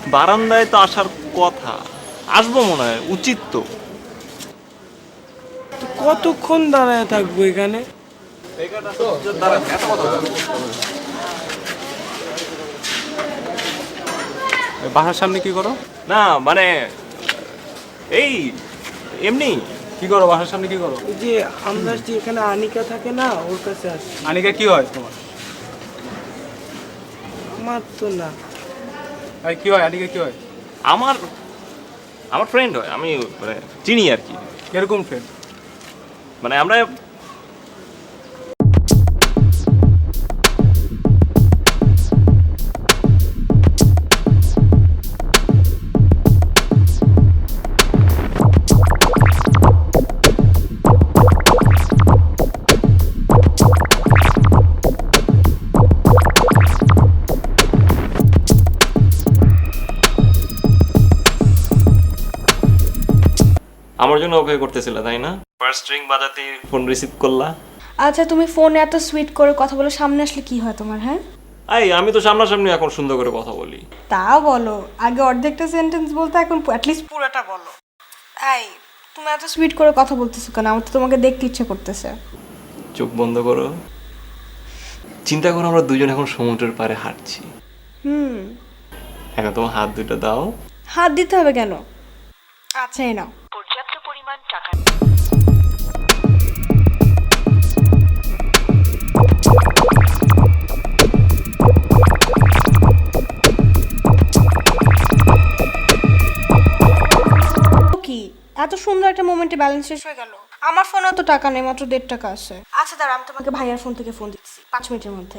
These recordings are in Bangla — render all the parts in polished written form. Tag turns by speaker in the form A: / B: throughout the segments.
A: বারান্দায় তো আসার কথা, আসবো মনে হয়, উচিত তো।
B: তো কতক্ষণ দাঁড়ায় থাকবো এখানে?
C: বাসার সামনে কি করো?
A: না মানে এই এমনি।
C: কি করো বাসার সামনে কি করো?
B: ওই যে আমরা যে এখানে আনিকা থাকে না, ওর কাছে আসছি।
C: আনিকা কি হয় তোমার?
B: আমার তো না।
C: ভাই কি হয় আনিকা কি হয়?
A: আমার আমার ফ্রেন্ড হয়, আমি মানে চিনি আর কি।
C: এরকম ফ্রেন্ড?
A: মানে আমরা আমার জন্য ওকে করতেছিল তাই না? ফার্স্ট রিং বাজাতে ফোন রিসিভ করলা।
D: আচ্ছা তুমি ফোনে এত সুইট করে কথা বলো, সামনে আসলে কি হয় তোমার? হ্যাঁ
A: আমি তো সামনাসামনি এখন সুন্দর করে কথা বলি।
D: তাও বলো, আগে অর্ধেকটা সেন্টেন্স বলতে এখন অ্যাটলিস্ট পুরোটা বলো। তুমি এত সুইট করে কথা বলতেছো কেন? আমার তো তোমাকে দেখতে ইচ্ছে করতেছে।
A: চোখ বন্ধ করো, চিন্তা করো আমরা দুজন এখন সমুদ্রের পাড়ে হাঁটছি। এখন তোমার হাত দুটো দাও।
D: হাত দিতে হবে কেন? আচ্ছা এই নাও।
E: পর্যাপ্ত পরিমাণ টাকা।
D: কি এত সুন্দর একটা মোমেন্টে ব্যালেন্স শেষ হয়ে গেল? আমার ফোনেও তো টাকা নেই, মাত্র 1.5 টাকা আছে। আচ্ছা দাঁড়া, আমি তোমাকে ভাইয়ার ফোন থেকে ফোন দিচ্ছি 5 মিনিটের মধ্যে।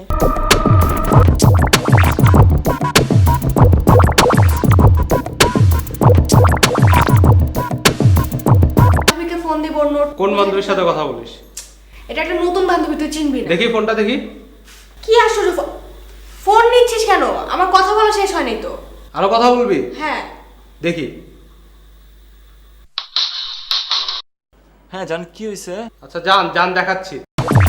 D: বান্ধবীকে ফোন দিব। নোট
C: কোন বান্ধবীর সাথে কথা বলিস?
D: এটা একটা নতুন বান্ধবী, তুই চিনবি না।
C: দেখি ফোনটা দেখি।
D: কি আসলে ফোন নিচ্ছিস কেন? আমার কথা বলা শেষ হয়নি তো।
C: আরো কথা বলবি?
D: হ্যাঁ
C: দেখি।
A: হ্যাঁ জান, কি হয়েছে?
C: আচ্ছা যান যান দেখাচ্ছি।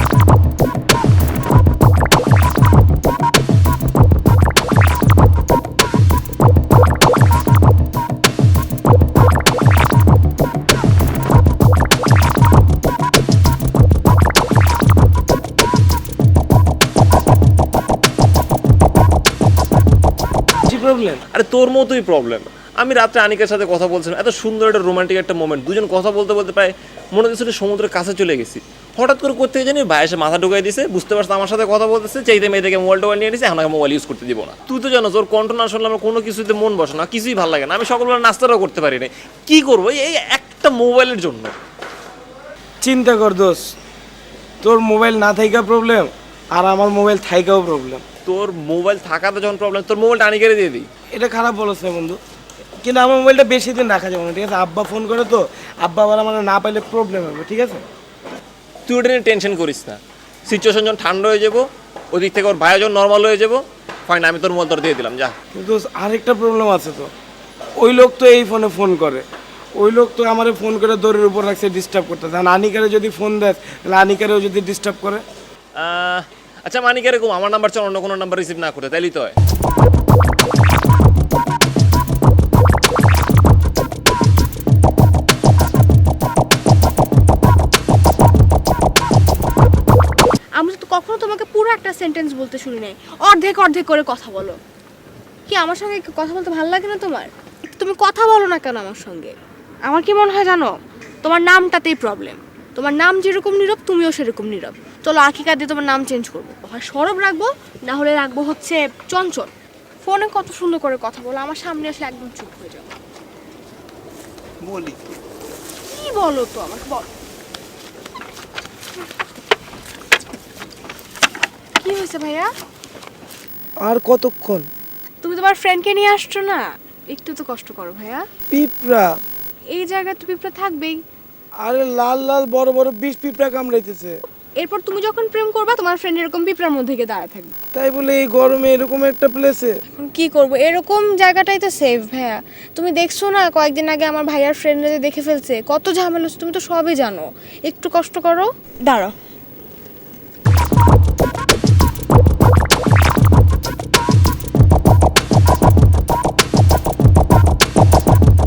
B: কি প্রবলেম?
A: আরে তোর মতোই প্রবলেম। আমি রাত্রে আনিকার সাথে কথা বলছিলাম, এত সুন্দর একটা রোমান্টিক একটা মোমেন্ট, দুজন কথা বলতে বলতে প্রায় মনে হচ্ছে সমুদ্রের কাছে চলে গেছি। হঠাৎ করে করতে জানি ভাই এসে মাথা ঢুকাই দিছে, বুঝতে পারছে আমার সাথে কথা বলতেছে, চাইতে মেয়ে থেকে মোবাইল টোবাইল নিয়ে নিছে, এখন মোবাইল ইউজ করতে দিব না। তুই তো জানো তোর কণ্ঠ না শুনলে আমার কোনো কিছুতে মন বসে না, কিছুই ভালো লাগে না। আমি সকালবেলা নাস্তাটাও করতে পারি না। কি করবো এই একটা মোবাইলের জন্য?
B: চিন্তা কর দোষ, তোর মোবাইল না থাইকা প্রবলেম, আর আমার মোবাইল থাইকাও প্রবলেম।
A: তোর মোবাইল থাকাতে যখন প্রবলেম, তোর মোবাইলটা আনিকারে দিয়ে দিই।
B: এটা খারাপ বলছ না বন্ধু, কিন্তু আমার মোবাইলটা বেশি দিন রাখা যাবে না, ঠিক আছে? আব্বা ফোন করে তো, আব্বা আবার আমার না পাইলে প্রবলেম হবে, ঠিক আছে?
A: তুই ওটা নিয়ে টেনশন করিস না। সিচুয়েশন যখন ঠান্ডা হয়ে যাবো, ওদিক থেকে ওর ভাইয়া যখন নর্মাল হয়ে যাবো, ফাইন আমি তোর মোবাইল তোর দিয়ে দিলাম, যা।
B: কিন্তু আরেকটা প্রবলেম আছে তো, ওই লোক তো এই ফোনে ফোন করে, ওই লোক তো আমারে ফোন করে দড়ির উপর রাখছে ডিস্টার্ব করতেছে। আর আনিকারে যদি ফোন দেয় তাহলে আনিকারেও যদি ডিস্টার্ব করে।
A: আচ্ছা মানিক এরকম আমার নাম্বার চল অন্য কোনো নাম্বার রিসিভ না করে, তাইলেই তো হয়।
D: আমি তো কখনো তোমাকে পুরো একটা সেন্টেন্স বলতে শুনি নাই, অর্ধেক অর্ধেক করে কথা বলো। কি আমার সঙ্গে কথা বলতে ভালো লাগে না তোমার? তুমি কথা বলো না কেন আমার সঙ্গে? আমার কি মনে হয় জানো, তোমার নামটাতেই প্রবলেম। তোমার নাম যেরকম নীরব, তুমিও সেরকম নীরব। চলো আকিকা দিয়ে তোমার নাম চেঞ্জ করবো, হয় সরব রাখবো, না হলে রাখবো হচ্ছে চঞ্চল। ফোনে কত সুন্দর করে কথা বলো, আমার সামনে আসলে একদম চুপ হয়ে যাও।
B: বলি
D: কি বলো তো আমাকে বলো, কি হয়েছে ভাইয়া?
B: আর কতক্ষণ?
D: তুমি তোমার ফ্রেন্ডকে নিয়ে আসছো না, একটু তো কষ্ট করো ভাইয়া।
B: পিঁপড়া?
D: এই জায়গায় তো পিঁপড়া থাকবেই।
B: আরে লাল লাল বড় বড় 20 পিঁপড়া কামড়াইতেছে।
D: এরপর তুমি যখন প্রেম করবা, তোমার ফ্রেন্ড এরকম পিঁপড়ার মধ্যে গিয়ে দাঁড়ায় থাকবে।
B: তাই বলে এই গরমে এরকম একটা প্লেসে?
D: কি করব, এরকম জায়গাটাই তো সেফ ভাইয়া। তুমি দেখছো না কয়েকদিন আগে আমার ভাইয়ার ফ্রেন্ডরা দেখে ফেলছে, কত ঝামেলা হচ্ছে, তুমি তো সবই জানো। একটু কষ্ট করো, দাঁড়াও।